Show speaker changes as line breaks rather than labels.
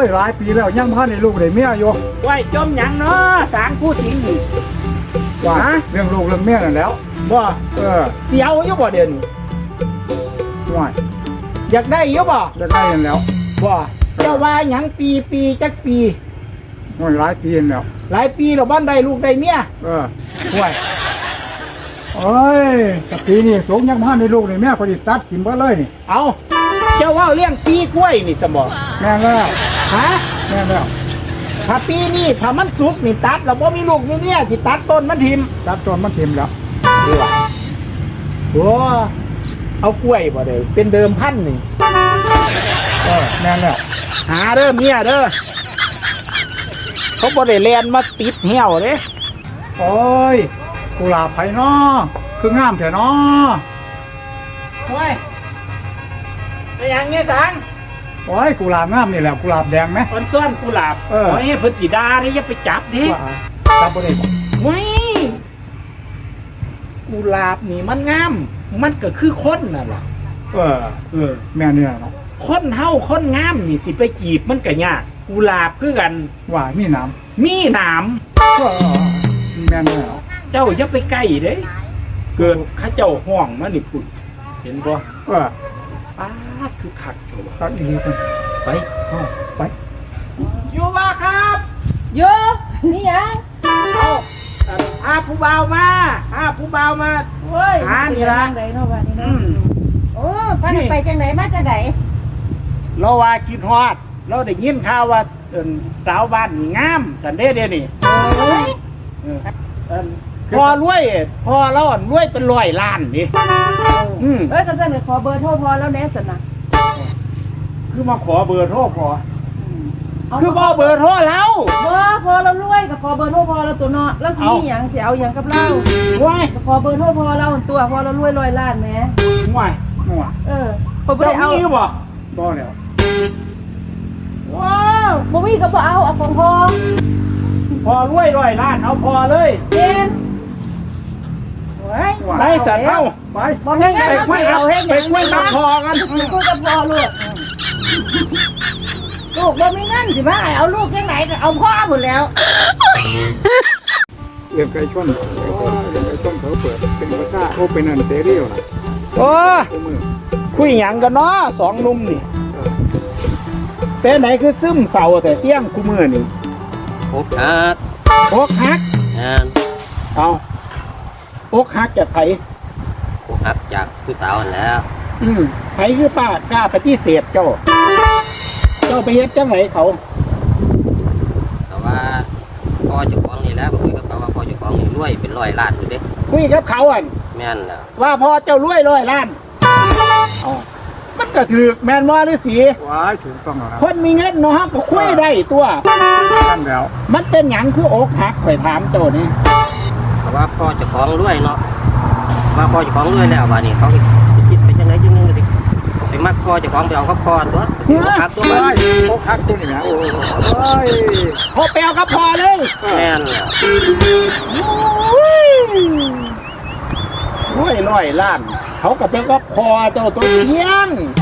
ยหลายปีแล้วยังพันในลูกได้เมียอยู่
ไหวจมหยังเนาะสางผู้สิงห์นี่
ว่าเรื่องลูกเรื่องเมียนั่นแล้ว
บ่เสียวอยู่บ่เดี๋ยวนี้
ว่า
อยากได้อยู่บ่
จะได้กันแล้ว
บ่เจ้าว่าหยังปีจักปี
มันหลายปีแล้ว
หลายปีแล้วบ้านได้ลูกได้เมีย
ห่วยโอ้ยแต่ปีนี้สงยังพันในลูกได้เมียพอดีตัดถิ่มบ่เลยนี่
เอาเจ้าว่าเลี้ยงปีกล้วยนี่สมบ่
แม่แล้ว
ฮะ
แม่แล้ว
ถ้าปีนี้ถ้ามันสุกนี่ตัดแล้วบ่มีลูกมีเมียสิตัดต้นมันทิ่ม
ตัดต้นมันถิ่มแล้ว
ดีว่ะโอ้เอากล้วยบ่ได้เป็นเดิมพันนี่
แม่แล้ว
หาเด้อเมียเด้อเขาบ่ได้แลนมาติดเหี่ยวเด้
โอ้ยกุหลาบไผ่น้อคืองามแท้น้อ
โอ้ยไปยังเงี้ยสัง
โอ้ยกุหลาบงามนี่แหละกุหลาบแดงไหม
อ่อนซ้อนกุหลาบโอ้ยเพิ่นสิดาเด้อย่าไปจับดิ
จับบ่ได้บ่
เว้ยกุหลาบนี่มันงามมันก็คือคนน่ะล่ะ
แม่เนี่ยเนาะ
คนเฮาคนงามนี่สิไปจีบมันก็ยากกุหลาบคือกัน
ว่ามีหนามแม่เนี่ย
เจ้าอย่าไปใกล้เด้เกิดข้าเจ้าห้องมานี่พุ่นเห็นบ่ป้าคือคักโต
ตัดดีกัน
ไปอยู่บ่ครับ
อยู่นี่ยัง
พาผู้บ่าวมา
เฮ้ย
หานี่ล่ะ
ไหนเนาะว่านี่เนาะโอ้พาไปจังไหนมาจังไหน
เราว่าคิดฮอดเราได้ยินข่าวว่าสาวบ้านนี่งามสันเดเดนี่
โอ้ย
พอรวยพอเรารวยเป็น100 ล้านนี่
ก็จะขอเบอร์โทรพอแล้วแน่สินะ
คือมาขอเบอร์โทรพอคือพอเบอร์โทรแล้ว
พอเรารวยกับขอเบอร์โทรพอเราตัวเนาะแล้วสิอย่างเสียเอาอย่างกับเราขอเบอร์โทรพอเราตัวพอเรารวย100 ล้านแหม
ง่าย
พอไปเอา
บ่แล้ว
ว้าวบ่มีก็บ่เอาของ
พอรวย100 ล้านเอาพอเลย
ไป
จัดเข้า
ไป
คุยกับพอกัน
คุยกับพอลูกบ่มีเงินสิมาเอาลูกยังไหนก็เอาพ่อหมดแล้ว
เรื่องไก่ชนเขาเปิดเป็นภาษาเขาเป็นอันเซรีนะ
คุยหยังกันเนาะ2 หนุ่มนี่เป็นไหนคือซึมเศร้าแต่เที่ยงคู่มือนี่
อกหัก
เอาอกหักจากไผ
อกหักจากผู้สาวแล้ว
ไผคือป้ากล้าปฏิเสธเจ้าไปเฮ็ดจังไหนเขา
แต่ว่าพ่อเจ้าของนี่แล้วคุยกับเขาว่าพ่อเจ้าของนี่รวยเป็น100 ล้านอยู่เด้
คุยกับเขา
แม่นแล้ว
ว่าพ่อเจ้ารวย100 ล้านมันก็ถือแม่นว่าหรือสี
ถูกต้องครับ
คนมีเงินเนาะก็คุยได้ตัว
นั่นแล้ว
มันเป็นหยังคืออกหักข่อยถามเจ้านี่
แต่ว่าพ่อเจ้าของรวยเนาะว่าพ่อเจ้าของรวยแล้วว่านี่เขาคิดไปจังไหนจังนึงสิไปมักพ่อเจ้าของไปเอากับพ่อตัวอกหักตัว
อกหักตัวนี่นะโอ้ย
พอไปเอากับพ่อเลย
แม่นแล้ว
100 ล้านเขาก็เป็นกับพ่อเจ้าตัวเที่ยง